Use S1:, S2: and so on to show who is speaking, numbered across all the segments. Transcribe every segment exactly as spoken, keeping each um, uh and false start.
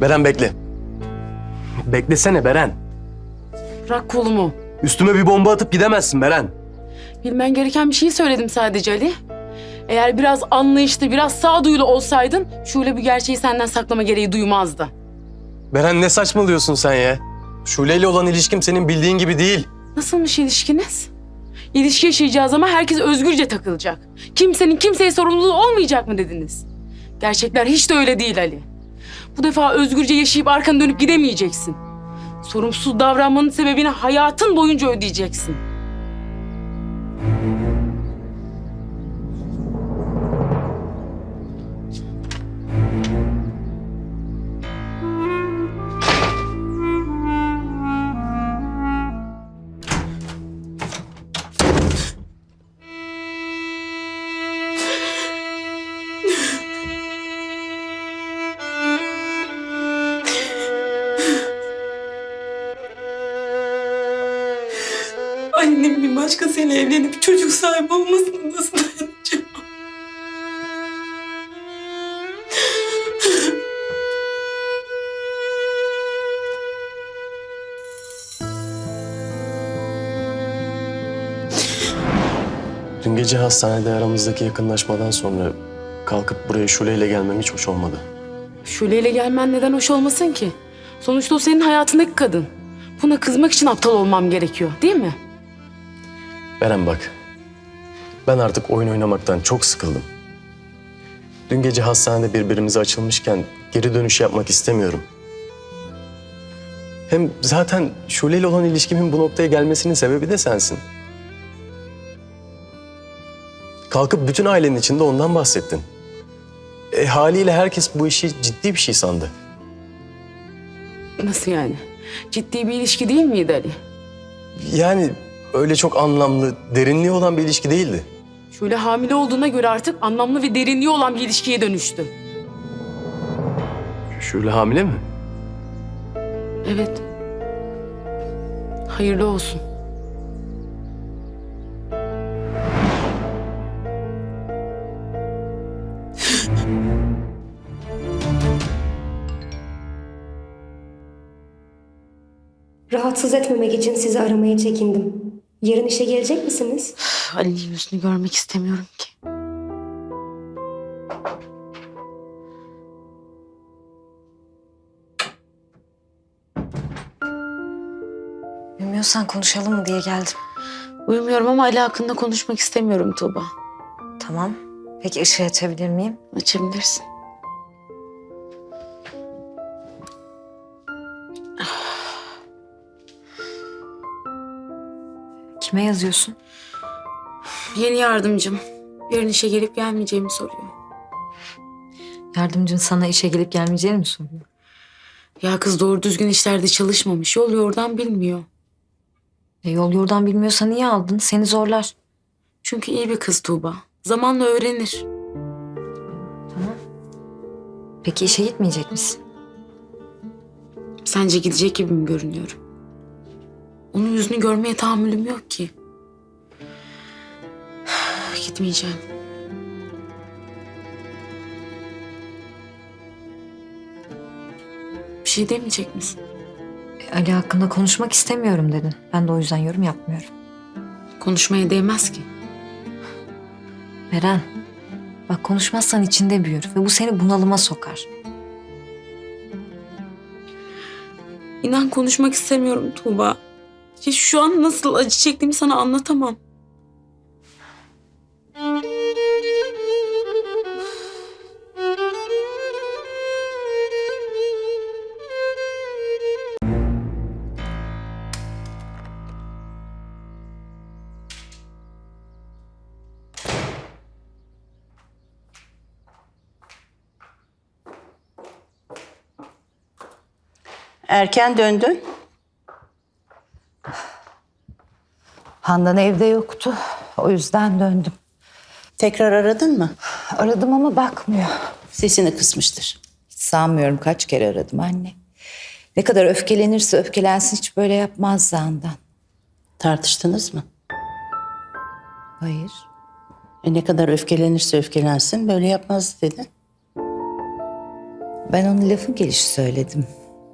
S1: Beren bekle. Beklesene Beren.
S2: Bırak kolumu.
S1: Üstüme bir bomba atıp gidemezsin Beren.
S2: Bilmen gereken bir şeyi söyledim sadece Ali. Eğer biraz anlayışlı, biraz sağduyulu olsaydın Şule bu gerçeği senden saklama gereği duymazdı.
S1: Beren ne saçmalıyorsun sen ya? Şule ile olan ilişkim senin bildiğin gibi değil.
S2: Nasılmış ilişkiniz? İlişki yaşayacağız ama herkes özgürce takılacak. Kimsenin kimseye sorumluluğu olmayacak mı dediniz? Gerçekler hiç de öyle değil Ali. Bu defa özgürce yaşayıp arkanı dönüp gidemeyeceksin. Sorumsuz davranmanın sebebini hayatın boyunca ödeyeceksin. Annem bir başkasıyla evlenip çocuk sahibi olmasına nasıl dayanacağım?
S1: Dün gece hastanede aramızdaki yakınlaşmadan sonra kalkıp buraya Şule ile gelmem hiç hoş olmadı.
S2: Şule'yle gelmen neden hoş olmasın ki? Sonuçta o senin hayatındaki kadın. Buna kızmak için aptal olmam gerekiyor, değil mi?
S1: Beren bak. Ben artık oyun oynamaktan çok sıkıldım. Dün gece hastanede birbirimize açılmışken geri dönüş yapmak istemiyorum. Hem zaten Şule ile olan ilişkimin bu noktaya gelmesinin sebebi de sensin. Kalkıp bütün ailenin içinde ondan bahsettin. E, haliyle herkes bu işi ciddi bir şey sandı.
S2: Nasıl yani? Ciddi bir ilişki değil miydi Ali?
S1: Yani öyle çok anlamlı, derinliği olan bir ilişki değildi.
S2: Şule hamile olduğuna göre artık anlamlı ve derinliği olan bir ilişkiye dönüştü.
S1: Şule hamile mi?
S2: Evet. Hayırlı olsun.
S3: Rahatsız etmemek için sizi aramaya çekindim. Yarın işe gelecek misiniz?
S2: Ali'nin yüzünü görmek istemiyorum ki.
S4: Bilmiyorsan konuşalım mı diye geldim.
S2: Uyumuyorum ama Ali hakkında konuşmak istemiyorum Tuğba.
S4: Tamam. Peki ışığı açabilir miyim?
S2: Açabilirsin.
S4: Kime yazıyorsun?
S2: Yeni yardımcım. Yarın işe gelip gelmeyeceğimi soruyor.
S4: Yardımcın sana işe gelip gelmeyeceğini mi soruyor?
S2: Ya kız doğru düzgün işlerde çalışmamış. Yol yordan bilmiyor.
S4: E, yol yordan bilmiyorsa niye aldın? Seni zorlar.
S2: Çünkü iyi bir kız Tuğba. Zamanla öğrenir.
S4: Tamam. Peki işe gitmeyecek misin?
S2: Sence gidecek gibi mi görünüyorum? Onun yüzünü görmeye tahammülüm yok ki. Gitmeyeceğim. Bir şey demeyecek misin?
S4: E, Ali hakkında konuşmak istemiyorum dedin. Ben de o yüzden yorum yapmıyorum.
S2: Konuşmaya değmez ki.
S4: Beren, bak konuşmazsan içinde büyür ve bu seni bunalıma sokar.
S2: İnan konuşmak istemiyorum Tuğba. Ya şu an nasıl acı çektiğimi sana anlatamam.
S5: Erken döndün.
S6: Handan evde yoktu. O yüzden döndüm.
S5: Tekrar aradın mı?
S6: Aradım ama bakmıyor.
S5: Sesini kısmıştır.
S6: Hiç sanmıyorum, kaç kere aradım anne. Ne kadar öfkelenirse öfkelensin hiç böyle yapmazdı Handan.
S5: Tartıştınız mı?
S6: Hayır.
S5: E ne kadar öfkelenirse öfkelensin böyle yapmaz dedi.
S6: Ben onu lafın gelişi söyledim.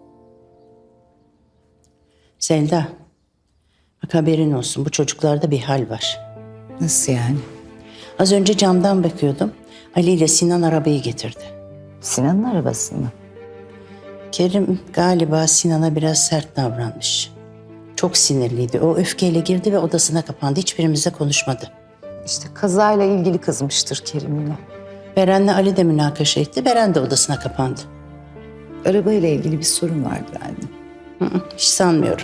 S5: Selda, bak haberin olsun, bu çocuklarda bir hal var.
S6: Nasıl yani?
S5: Az önce camdan bakıyordum. Ali ile Sinan arabayı getirdi.
S6: Sinan'ın arabası mı?
S5: Kerim galiba Sinan'a biraz sert davranmış. Çok sinirliydi. O öfkeyle girdi ve odasına kapandı. Hiçbirimizle konuşmadı.
S6: İşte kazayla ilgili kızmıştır Kerim'le.
S5: Beren'le Ali de münakaşa etti. Beren de odasına kapandı.
S6: Arabayla ilgili bir sorun vardır anne.
S5: Hı hı, hiç sanmıyorum.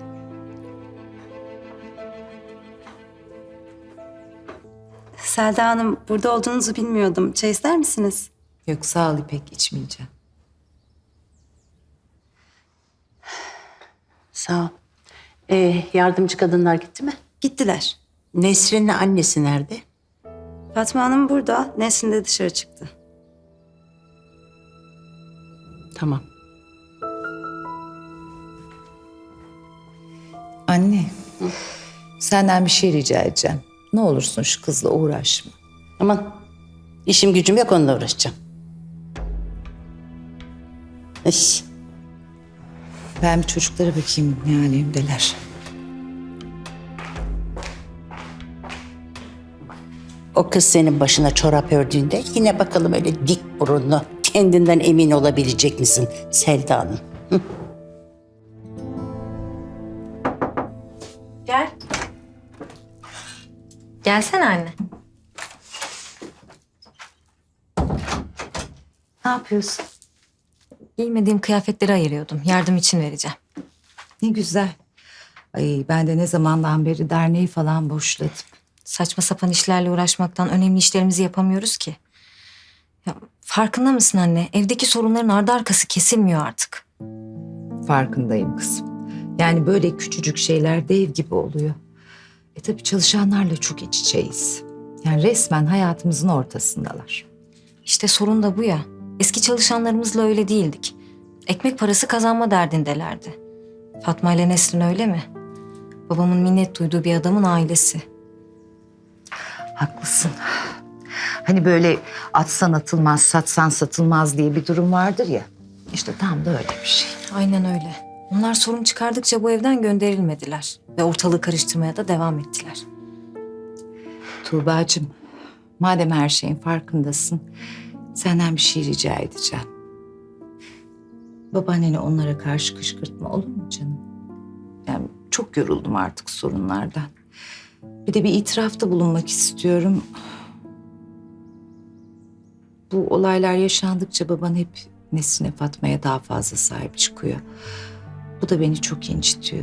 S7: Selda Hanım, burada olduğunuzu bilmiyordum. Çay ister misiniz?
S6: Yok sağ ol İpek, içmeyeceğim.
S5: Sağ ol. Ee, yardımcı kadınlar gitti mi?
S7: Gittiler.
S5: Nesrin'le annesi nerede?
S7: Fatma Hanım burada, Nesrin de dışarı çıktı.
S5: Tamam.
S6: Anne, senden bir şey rica edeceğim. Ne olursun şu kızla uğraşma.
S5: Aman işim gücüm yok, onunla uğraşacağım. Eş.
S6: Ben bir çocuklara bakayım ne alemdeler.
S5: O kız senin başına çorap ördüğünde yine bakalım öyle dik burunlu, kendinden emin olabilecek misin Selda Hanım?
S7: Gel.
S4: Gelsene anne.
S6: Ne yapıyorsun?
S4: Giymediğim kıyafetleri ayırıyordum. Yardım için vereceğim.
S6: Ne güzel. Ay ben de ne zamandan beri derneği falan boşladım.
S4: Saçma sapan işlerle uğraşmaktan önemli işlerimizi yapamıyoruz ki. Ya, farkında mısın anne? Evdeki sorunların ardı arkası kesilmiyor artık.
S6: Farkındayım kızım. Yani böyle küçücük şeyler dev gibi oluyor. E tabii çalışanlarla çok iç içeyiz. Yani resmen hayatımızın ortasındalar.
S4: İşte sorun da bu ya. Eski çalışanlarımızla öyle değildik. Ekmek parası kazanma derdindelerdi. Fatma ile Nesrin öyle mi? Babamın minnet duyduğu bir adamın ailesi.
S6: Haklısın. Hani böyle atsan atılmaz, satsan satılmaz diye bir durum vardır ya. İşte tam da öyle bir şey.
S4: Aynen öyle. Onlar sorun çıkardıkça bu evden gönderilmediler. Ve ortalığı karıştırmaya da devam ettiler.
S6: Tuğbacığım, madem her şeyin farkındasın, senden bir şey rica edeceğim. Babaanneni onlara karşı kışkırtma, olur mu canım? Yani çok yoruldum artık sorunlardan. Bir de bir itirafta bulunmak istiyorum. Bu olaylar yaşandıkça baban hep Nesrin'e, Fatma'ya daha fazla sahip çıkıyor. Bu da beni çok incitiyor.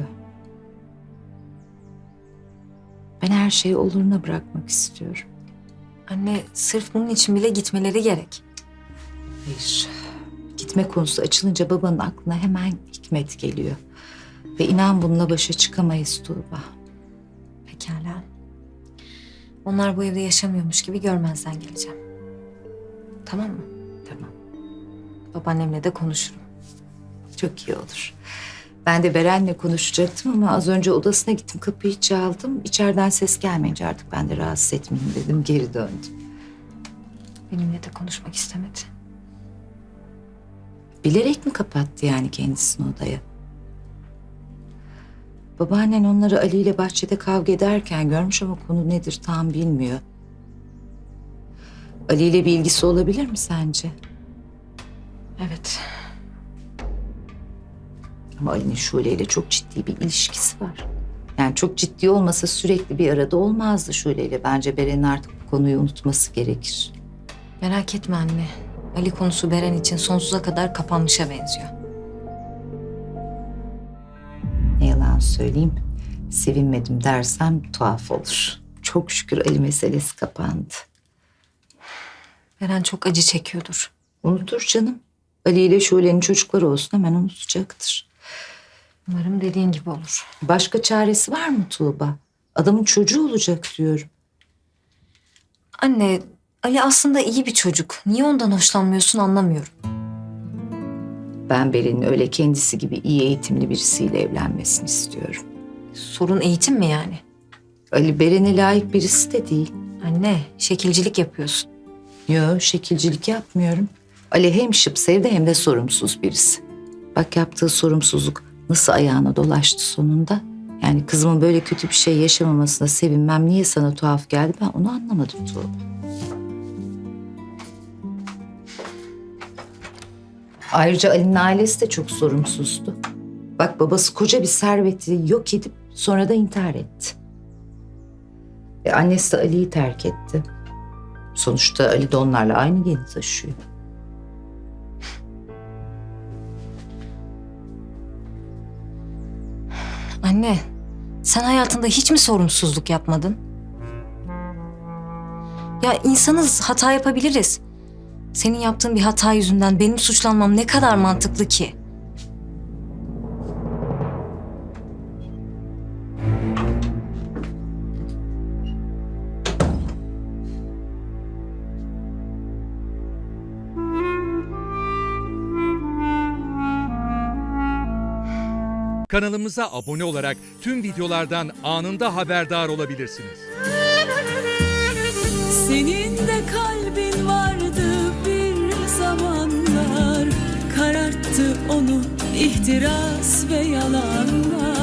S6: Ben her şeyi oluruna bırakmak istiyorum.
S4: Anne sırf bunun için bile gitmeleri gerek.
S6: Hayır. Gitme konusu açılınca babanın aklına hemen Hikmet geliyor. Ve inan bununla başa çıkamayız Tuğba.
S4: Pekala. Onlar bu evde yaşamıyormuş gibi görmezden geleceğim. Tamam mı?
S6: Tamam.
S4: Babaannemle de konuşurum.
S6: Çok iyi olur. Ben de Beren'le konuşacaktım ama az önce odasına gittim, kapıyı çaldım. İçeriden ses gelmeyince artık ben de rahatsız etmeyeyim dedim, geri döndüm.
S4: Benimle de konuşmak istemedi.
S6: Bilerek mi kapattı yani kendisini odaya? Babaannen onları Ali ile bahçede kavga ederken görmüş ama konu nedir tam bilmiyor. Ali ile bir ilgisi olabilir mi sence?
S4: Evet.
S6: Ama Ali'nin Şule ile çok ciddi bir ilişkisi var. Yani çok ciddi olmasa sürekli bir arada olmazdı Şule ile. Bence Beren'in artık bu konuyu unutması gerekir.
S4: Merak etme anne. Ali konusu Beren için sonsuza kadar kapanmışa benziyor.
S6: Ne yalan söyleyeyim, sevinmedim dersem tuhaf olur. Çok şükür Ali meselesi kapandı.
S4: Beren çok acı çekiyordur.
S6: Unutur canım. Ali ile Şule'nin çocukları olsun hemen unutacaktır.
S4: Umarım dediğin gibi olur.
S6: Başka çaresi var mı Tuğba? Adamın çocuğu olacak diyorum.
S4: Anne, Ali aslında iyi bir çocuk. Niye ondan hoşlanmıyorsun anlamıyorum.
S6: Ben Beren'in öyle kendisi gibi iyi eğitimli birisiyle evlenmesini istiyorum.
S4: Sorun eğitim mi yani?
S6: Ali Beren'e layık birisi de değil.
S4: Anne, şekilcilik yapıyorsun.
S6: Yo, şekilcilik yapmıyorum. Ali hem şıp sevdi hem de sorumsuz birisi. Bak yaptığı sorumsuzluk nasıl ayağına dolaştı sonunda. Yani kızımın böyle kötü bir şey yaşamamasına sevinmem niye sana tuhaf geldi ben onu anlamadım Tuğba. Ayrıca Ali'nin ailesi de çok sorumsuzdu. Bak babası koca bir serveti yok edip sonra da intihar etti. Ve annesi de Ali'yi terk etti. Sonuçta Ali de onlarla aynı geni taşıyor.
S4: Anne, sen hayatında hiç mi sorumsuzluk yapmadın? Ya insanız, hata yapabiliriz. Senin yaptığın bir hata yüzünden benim suçlanmam ne kadar mantıklı ki?
S8: Kanalımıza abone olarak tüm videolardan anında haberdar olabilirsiniz.
S9: Senin de kalbin vardı bir zamanlar, kararttı onu ihtiras ve yalanlar.